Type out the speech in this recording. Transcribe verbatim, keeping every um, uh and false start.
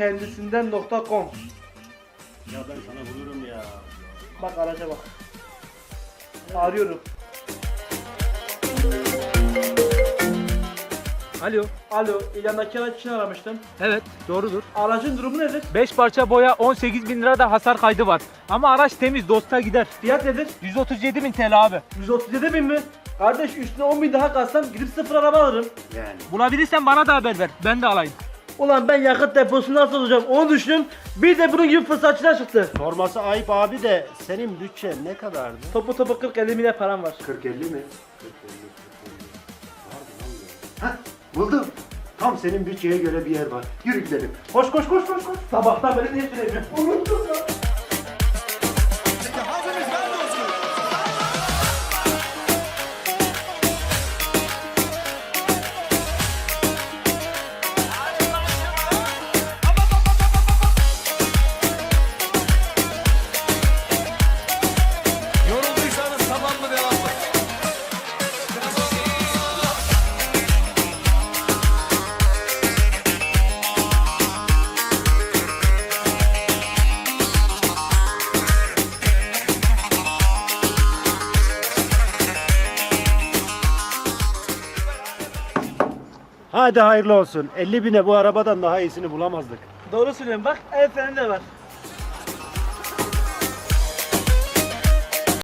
kendisinden nokta com. Ya ben sana bulurum ya. Bak araca bak. Arıyorum. Alo. Alo, ilandaki araç için aramıştım. Evet, doğrudur. Aracın durumu nedir? beş parça boya, on sekiz bin lira da hasar kaydı var. Ama araç temiz, dosta gider. Fiyat nedir? yüz otuz yedi bin T L abi. yüz otuz yedi bin mi? Kardeş üstüne on bin daha kalsam gidip sıfır araba alırım. Yani. Bulabilirsen bana da haber ver. Ben de alayım. Ulan ben yakıt deposunu nasıl olacağım onu düşünün. Bir de bunun gibi fırsatçılar çıktı. Sorması ayıp abi de senin bütçen ne kadardı? Topu topu kırk elli milyar param var. kırk elli mi? kırk elli Hah, buldum. Tam senin bütçeye göre bir yer var. Yürü gidelim. Koş koş koş koş koş. Sabahtan beri niye süremiyorum? Unuttum ya. Yorulduysanız tamam mı devam mı? Hadi hayırlı olsun. elli bine bu arabadan daha iyisini bulamazdık. Doğru söylüyorum bak el freni de var.